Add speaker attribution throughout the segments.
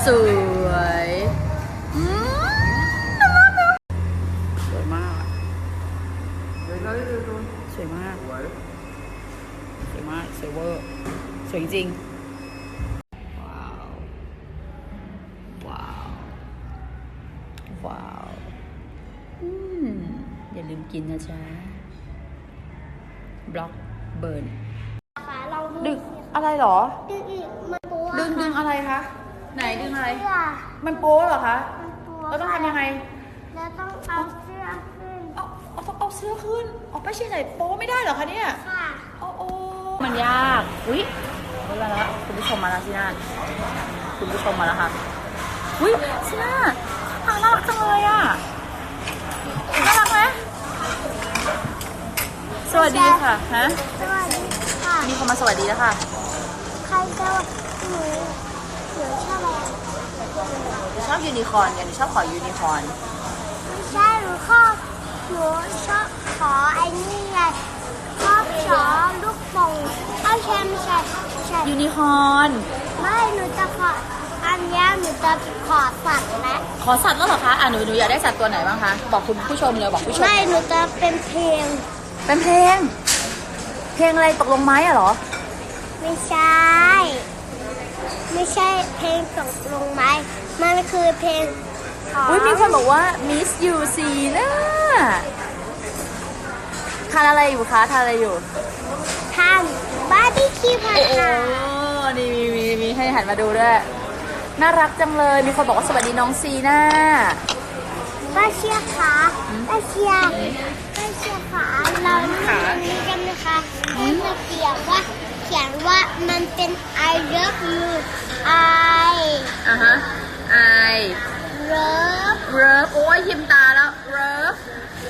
Speaker 1: สวยสวยมากสวยมากสวยมากสวยเวอร์สวยจริงว้าวอย่าลืมกินนะจ๊ะบล็อกเบิร์นดึงอะไรหรอ
Speaker 2: ดึงอีกมันโป๊ะ
Speaker 1: ดึงอะไรคะไหนดึงอะไร
Speaker 2: เสื้อ
Speaker 1: มันโป๊เหรอคะ
Speaker 2: มันโป๊ะ
Speaker 1: เราต้องทำยังไง
Speaker 2: แล้วต้องเอาเสื้อขึ้น
Speaker 1: เอาเสื้อขึ้นไปเชียร์ไหนโป๊ไม่ได้เหรอคะเนี่ย
Speaker 2: ค่ะ
Speaker 1: โอ้มันยากอุ้ยมาแล้วคุณผู้ชมมาแล้วสิน่าคุณผู้ชมมาแล้วค่ะอุ้ยสิน่าน่ารักจังเลยอ่ะน่ารักไหมสวัสดีค่ะฮะ
Speaker 2: สวัสดีค่ะ
Speaker 1: มีคนมาสวัสดีแล้วค่ะ
Speaker 2: ใครจะหนูชอบอะไร
Speaker 1: ชอบยูนิคอร์นกันชอบขอยูนิคอร์น
Speaker 2: ไม่ใช่หนูชอบขอไอ้นี่ไงชอบขอลูกโป่งไม่ใช่
Speaker 1: ยูนิคอร์น
Speaker 2: ไม่หนูจะขออันนี้หนูจะขอสัตว์นะ
Speaker 1: ขอสัตว์แล้วเหรอคะหนูอยากได้สัตว์ตัวไหนบ้างคะบอกคุณผู้ชมเลยบอกผู้ชม
Speaker 2: ไม่หนูจะเป็นเพลง
Speaker 1: เป็นเพลงอะไรตกลงไม้อะเหรอ
Speaker 2: ไม่ใช่ เพลงตกลงไหมมันคือเพลงของ
Speaker 1: อุ้ยมีคนบอกว่า Miss You ซีน่าทานอะไรอยู่คะทานอะไรอยู่
Speaker 2: ทำบาร์บีคิวผัด
Speaker 1: โอ้
Speaker 2: ค่ะ
Speaker 1: นี่มีให้หันมาดูด้วยน่ารักจังเลยมีคนบอกว่าสวัสดีน้องซีน่า
Speaker 2: ป้าเชียร์ขาป้าเชียร์ขาเรานี่กันนะคะให้มาเขียนว่ามันเป็น I love you I
Speaker 1: ฮะ I
Speaker 2: love
Speaker 1: โอ้ยยิ้มตาแล้ว love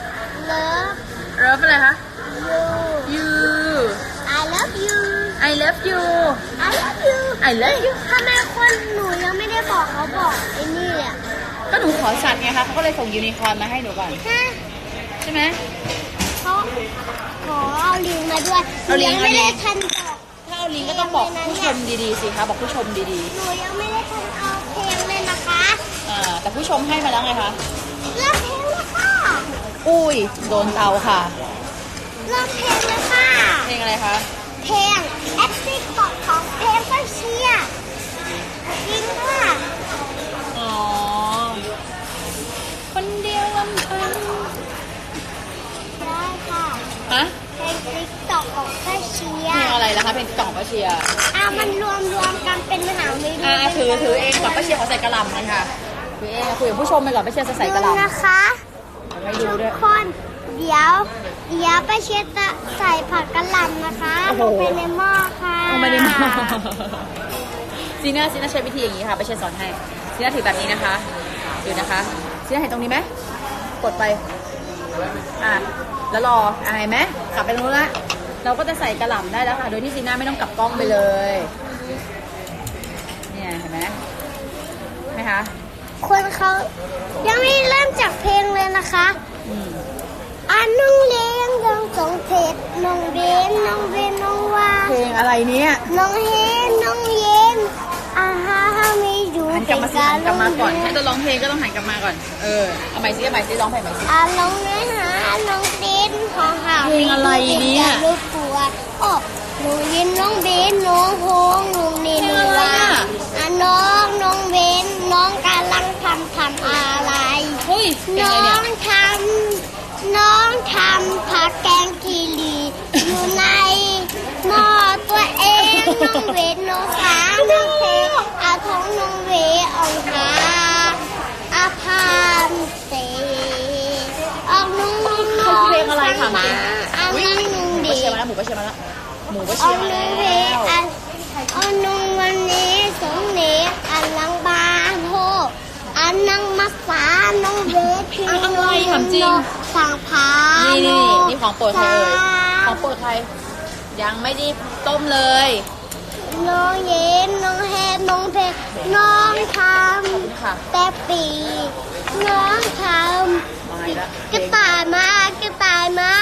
Speaker 1: อะไรคะ you
Speaker 2: I love you
Speaker 1: I love you
Speaker 2: I love you ทำไมคนหนูยังไม่ได้บอกเขาบอกไอ้นี่อ่ะ
Speaker 1: ก็หนูขอสัตว์ไงคะเขาก็เลยส่งยูนิคอร์นมาให้หนูก่อนใช่ไหม
Speaker 2: เขาขอเอาลิงมาด้วยหนูยังไม่ได้ทันบอก
Speaker 1: ถ้าเอาลิงก็ต้องบอกผู้ชมดีๆสิคะบอกผู้ชมดี
Speaker 2: หนูยังไม่ได้ทันเอาเพลงเลยนะคะ
Speaker 1: ๆแต่ผู้ชมให้มาแล้วไงคะ
Speaker 2: เริ่มเพลงแล้วค่ะ
Speaker 1: อุ้ยโดนเตาค่ะ
Speaker 2: เริ่มเพลงแล้วค่ะ
Speaker 1: เพลงอะไรคะ
Speaker 2: เพลงแอปติ๊กต็อกของเพลงก็เชียร์จริงค่ะ
Speaker 1: อ๋อคนเดียวลำพัง
Speaker 2: ได้ค่ะ
Speaker 1: ฮะ
Speaker 2: เพลงติ๊กต็อกของก็เชีย
Speaker 1: เพล
Speaker 2: ร์
Speaker 1: งอะไรล่ะคะเพลงกล่องป้าเชียร์
Speaker 2: มันรวมกันเป็นมหาวิทยาลัย
Speaker 1: ถือเองก่อนป้าเชียร์เขาใส่กระหล่ำกันค่ะถือเองคุยกับผู้ชมไปก่อนป้าเชียร์จะใส่กระห
Speaker 2: ดู
Speaker 1: ล่ำ
Speaker 2: นะคะ
Speaker 1: ไม่ดู
Speaker 2: ทุ
Speaker 1: ด้วย
Speaker 2: กคนเดี๋ยวป้าเชียร์จะใส่ผักกะหล่ำนะคะลงไปในหม้อค่ะ
Speaker 1: ไม่ได้มาซีน่าใช้วิธีอย่างนี้ค่ะป้าเชียร์สอนให้ซีน่าถือแบบนี้นะคะดูนะคะซีน่าเห็นตรงนี้ไหมกดไปแล้วรอเห็นไหมกลับไปตรงนู้นละเราก็จะใส่กระหล่ำได้แล้วค่ะโดยที่ซีน่าไม่ต้องกลับกล้องไปเลยเนี่ยเห็นไหมคะ
Speaker 2: คนเขายังไม่เริ่มจากเพลงเลยนะคะน้องเลี้ยงน้องสงเพชรน้องเบนน้องว่า
Speaker 1: เพลงอะไรเนี่ย
Speaker 2: น้องเฮนน้องเย็นฮาไม่อยู่
Speaker 1: หันกลับมาสิหันกลับมาก่อนให้ตัวร้องเพลงก็ต้องหันกลับมาก่อนเอาใหม่สิร้องเพลงใหม่สิ
Speaker 2: น้องเนื้อหาน้องเต้นของหา
Speaker 1: เพลงอะไรเนี่ย
Speaker 2: ลูกปัวน้องเย็นน้องเบนน้องโฮงน้องเนนว่าน้องเบนน้องกำลังทำอะไร
Speaker 1: เฮ้ยเพลง
Speaker 2: น้
Speaker 1: อะไร
Speaker 2: อ
Speaker 1: เนี่ย
Speaker 2: งทำผักแกงคีรีอยู่ในหม้อตัวเองน้องเวทน้องสาน้องเพอาทองน้องเวองหาอาพานเตออกน้องน้อง
Speaker 1: เพลงอะไรถามจริง
Speaker 2: น้องนุ่ง
Speaker 1: ป้า
Speaker 2: ดี
Speaker 1: เชียร์มาแล้วหมูป้าเชียร์มาแล้วหมูป้า
Speaker 2: อ
Speaker 1: เชี
Speaker 2: อย ก
Speaker 1: ร์มา
Speaker 2: น้
Speaker 1: แล้
Speaker 2: องเว
Speaker 1: ว
Speaker 2: เอาน้องวันนี้สองเนลังบานโฮนังมาสาน้องเวทพี่น้องสั่งพา
Speaker 1: นี่ของโปรดใครของโปรดใครยังไม่ได้ต้มเลย
Speaker 2: น้องเย็นน้องแฮนน้องเพชรน้องทำแต่ปีน้องทำกระต่ายมากระต่าย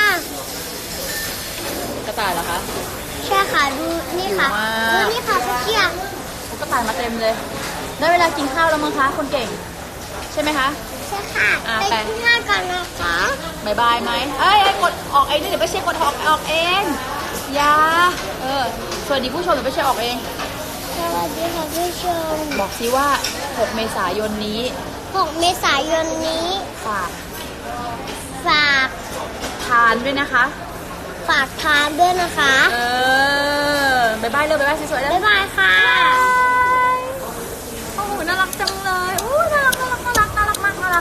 Speaker 1: เหรอคะ
Speaker 2: ใช่ค่ะดูนี่ค่ะดูนี่ค่ะพี่เชียร์
Speaker 1: กระต่ายมาเต็มเลยได้เวลากินข้าวแล้วมั้งคะคนเก่ง ใช่ไหมคะ
Speaker 2: ใช่ค่ะ
Speaker 1: ไป
Speaker 2: ไปกินข้าวกันนะคะ
Speaker 1: บายบายไหมเอ้ยกดออกเองนี่เดี๋ยวไปเช็คกดออกเองอย่าสวัสดีผู้ชมเดี๋ยวไปเช็คออกเอง
Speaker 2: สวัสดีค่ะผู้ชม
Speaker 1: บอกซิว่า 6 เมษายนนี้
Speaker 2: 6 เมษายนนี้
Speaker 1: ฝาก
Speaker 2: ฝาก
Speaker 1: ทานด้วยนะคะ
Speaker 2: ฝากทานด้วยนะคะ
Speaker 1: บายบายเลยบายบายสวยๆเลย
Speaker 2: บ๊ายบายค่ะ
Speaker 1: โอ้โหน่ารักจังเลยอู้น่ารักน่ารักน่ารักน่ารักมากน่ารัก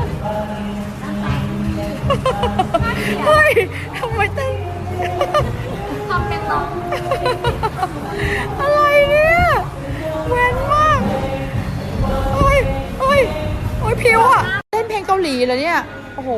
Speaker 1: เฮ้ยทำไมเต้นทำเป็นน้องอะไรเนี่ยเว้นมากโอ้ยโอ้ยโอ้ยผิวอ่ะเต้นเพลงเกาหลีเหรอเนี่ยโอ้โห